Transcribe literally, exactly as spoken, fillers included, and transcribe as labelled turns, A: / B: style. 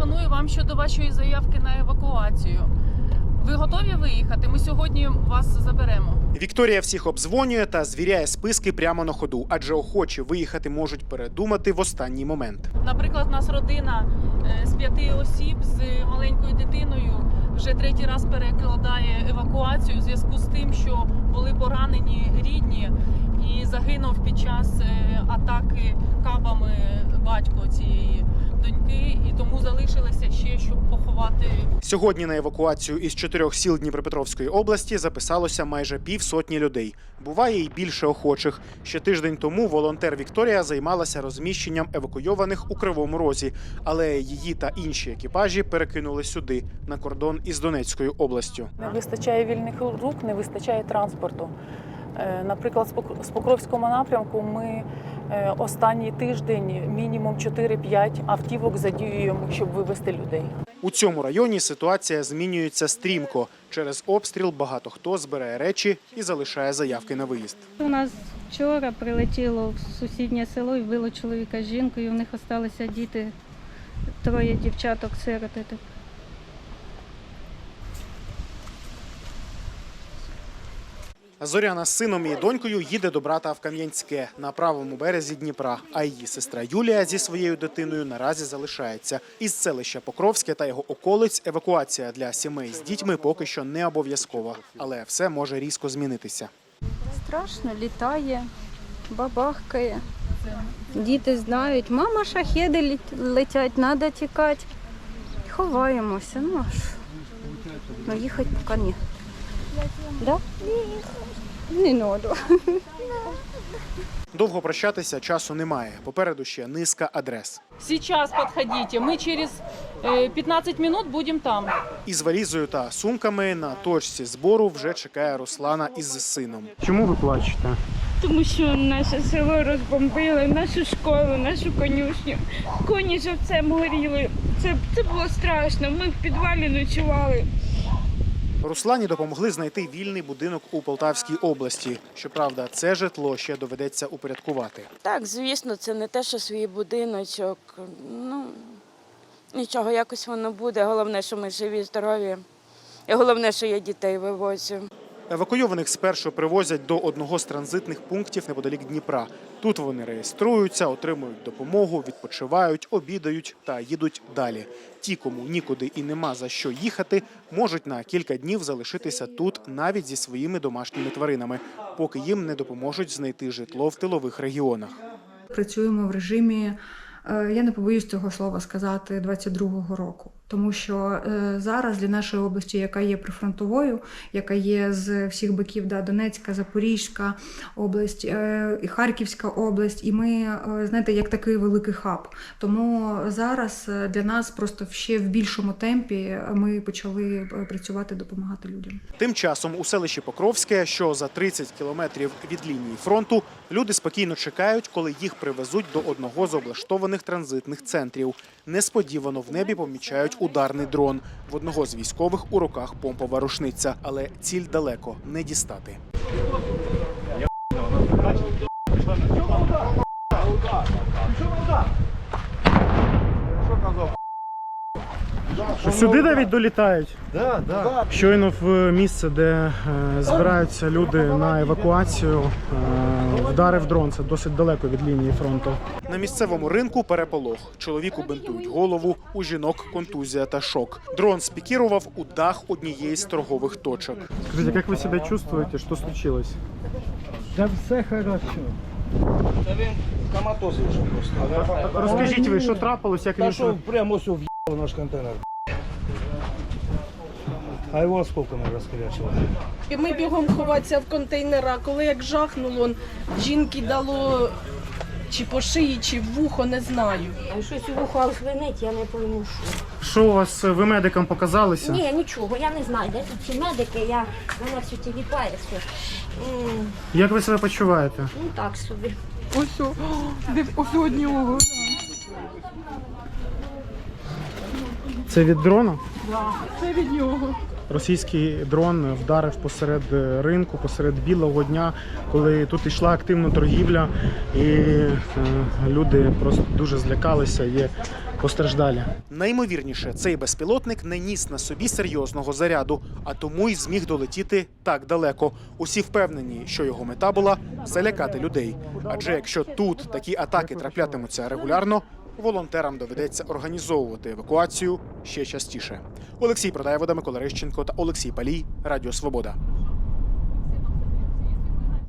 A: телефоную вам щодо вашої заявки на евакуацію. Ви готові виїхати? Ми сьогодні вас заберемо.
B: Вікторія всіх обдзвонює та звіряє списки прямо на ходу, адже охочі виїхати можуть передумати в останній момент.
A: Наприклад, у нас родина з п'яти осіб з маленькою дитиною вже третій раз перекладає евакуацію у зв'язку з тим, що були поранені рідні і загинув під час атаки кабами батько цієї доньки, і тому залишилося ще, щоб поховати.
B: Сьогодні на евакуацію із чотирьох сіл Дніпропетровської області записалося майже півсотні людей. Буває і більше охочих. Ще тиждень тому волонтер Вікторія займалася розміщенням евакуйованих у Кривому Розі, але її та інші екіпажі перекинули сюди, на кордон із Донецькою областю.
A: Не вистачає вільних рук, не вистачає транспорту. Наприклад, з Покровського напрямку ми останній тиждень мінімум чотири-п'ять автівок задіюємо, щоб вивезти людей.
B: У цьому районі ситуація змінюється стрімко. Через обстріл багато хто збирає речі і залишає заявки на виїзд.
C: У нас вчора прилетіло в сусіднє село і вбило чоловіка з жінкою. У них залишилися діти, троє дівчаток, сироти.
B: Зоряна з сином і донькою їде до брата в Кам'янське на правому березі Дніпра, а її сестра Юлія зі своєю дитиною наразі залишається. Із селища Покровське та його околиць евакуація для сімей з дітьми поки що не обов'язкова, але все може різко змінитися.
C: Страшно, літає, бабахкає. Діти знають, мама, шахеди летять, треба тікати. Ховаємося, ну аж, ну їхати поки ні. Да? Не надо.
B: Довго прощатися часу немає. Попереду ще низка адрес.
A: Сейчас подходите, мы через п'ятнадцять минут будем там.
B: Із валізою та сумками на точці збору вже чекає Руслана із сином. Чому ви плачете?
D: Тому що наше село розбомбили, нашу школу, нашу конюшню. Коні живцем горіли. Це, це було страшно. Ми в підвалі ночували.
B: Руслані допомогли знайти вільний будинок у Полтавській області. Щоправда, це житло ще доведеться упорядкувати.
E: Так, звісно, це не те, що свій будиночок. Ну, нічого, якось воно буде. Головне, що ми живі, здорові. І головне, що я дітей вивозю.
B: Евакуйованих спершу привозять до одного з транзитних пунктів неподалік Дніпра. Тут вони реєструються, отримують допомогу, відпочивають, обідають та їдуть далі. Ті, кому нікуди і нема за що їхати, можуть на кілька днів залишитися тут навіть зі своїми домашніми тваринами, поки їм не допоможуть знайти житло в тилових регіонах.
F: Працюємо в режимі, я не побоюсь цього слова сказати, двадцять другого року. Тому що зараз для нашої області, яка є прифронтовою, яка є з всіх боків, да, Донецька, Запорізька область, і Харківська область, і ми, знаєте, як такий великий хаб. Тому зараз для нас просто ще в більшому темпі ми почали працювати, допомагати людям.
B: Тим часом у селищі Покровське, що за тридцять кілометрів від лінії фронту, люди спокійно чекають, коли їх привезуть до одного з облаштованих транзитних центрів. Несподівано в небі помічають ударний дрон. В одного з військових у руках помпова рушниця, але ціль далеко не дістати. Сюди навіть долітають?
G: Да, да.
B: Щойно в місце, де збираються люди на евакуацію, вдарив дрон. Це досить далеко від лінії фронту. На місцевому ринку переполох. Чоловіку бинтують голову, у жінок контузія та шок. Дрон спікірував у дах однієї з торгових точок. Скажіть, як ви себе чувствуєте? Що случилось?
G: Да все хорошо. Та він коматоз вийшов просто.
B: Розкажіть ви, що трапилось, як
G: Та
B: він...
G: що прямо ось в'їхав наш контейнер. А його осколками розкрячило.
H: І ми бігом ховатися в контейнера, коли як жахнуло, жінки дало чи по шиї, чи в вухо, не знаю.
I: Щось у вухо звенить, я не пойму, що.
B: Що у вас, ви медикам показалися?
I: Ні, нічого, я не знаю, де тут ці медики, я, мене все тіліпає, все. М,
B: Як ви себе почуваєте?
I: Ну так собі.
H: Ось, о, де ось у нього.
B: Це від дрона?
H: Так, це від нього.
B: Російський дрон вдарив посеред ринку, посеред білого дня, коли тут йшла активна торгівля, і е, люди просто дуже злякалися. Є Постраждалі. Наймовірніше, цей безпілотник не ніс на собі серйозного заряду, а тому й зміг долетіти так далеко. Усі впевнені, що його мета була залякати людей. Адже якщо тут такі атаки траплятимуться регулярно, волонтерам доведеться організовувати евакуацію ще частіше. Олексій Продаєвода, Микола Рищенко та Олексій Палій. Радіо Свобода.